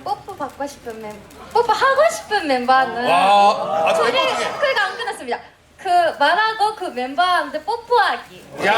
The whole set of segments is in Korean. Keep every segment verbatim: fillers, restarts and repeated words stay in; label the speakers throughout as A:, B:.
A: 그러면 뽀뽀 받고 싶은 멤버, 뽀뽀 하고 싶은 멤버는
B: 와, 아, 저
A: 둘이
B: 멤버 중에.
A: 그러니까 안 끝났습니다. 그 말하고 그 멤버한테 뽀뽀하기.
B: 야,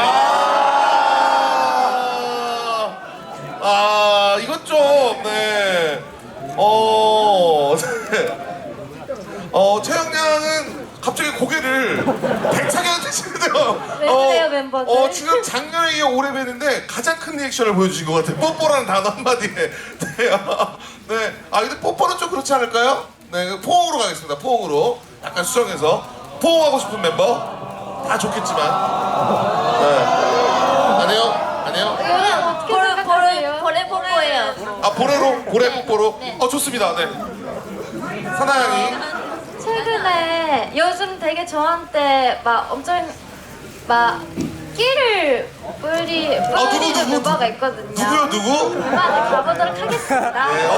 B: 아 이건 좀 네. 어, 네. 어 채영 양은 갑자기 고개를 배차게 드시는데요.
A: 왜 그래요, 멤버들?
B: 어 지금 작년에 이어 올해 뵀는데 가장 큰 리액션을 보여주신 것 같아요. 뽀뽀라는 단어 한마디에. 네, 아, 네. 아 근데 뽀뽀는 좀 그렇지 않을까요? 네, 포옹으로 가겠습니다. 포옹으로 약간 수정해서 포옹하고 싶은 멤버 다 좋겠지만. 네. 아니요, 아니요.
A: 이거는 어떻게
C: 보레
A: 생각하세요?
C: 보레 보레 뽀뽀예요.
B: 아 보레로 보레 뽀뽀로.
C: 네.
B: 어 좋습니다. 네. 사나양이.
A: 최근에 요즘 되게 저한테 막 엄청 막 끼를 뿌리
B: 아, 누구,
A: 뿌리는
B: 누구,
A: 멤버가 있거든요.
B: 누구요, 누구?
A: 멤버한테 가보도록 하겠습니다.
B: 네.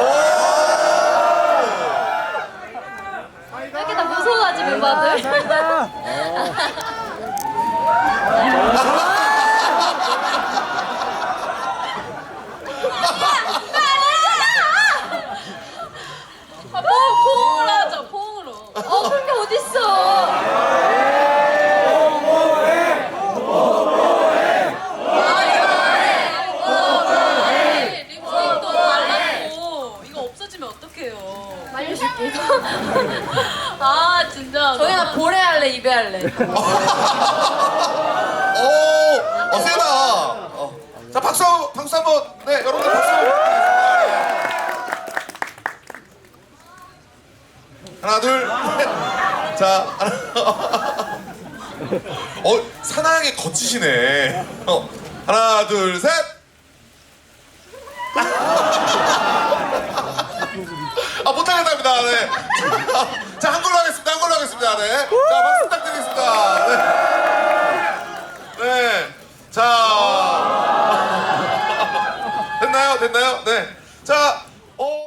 B: 오!
A: 왜 이렇게 다 무서워하지 멤버들?
C: 아, 포옹으로 하죠. 포옹으로.
A: 어 그런 게 어딨어?
C: 립스틱도 발랐고 이거 없어지면 어떡해요?
A: 말려줄게.
C: 아 진짜. 저희가 보레 할래 이베 할래.
B: 오! 어 세다. 어. 자 박수 박수 한번. 네 여러분들 박수. 하나 둘. 셋. 자 하나. 어 사나하게 거치시네. 어 하나 둘 셋. 아 못하겠답니다. 네. 자 한 걸로 하겠습니다. 한 걸로 하겠습니다. 네. 자 박수 부탁드리겠습니다. 네. 네. 자 됐나요? 됐나요? 네. 자. 어.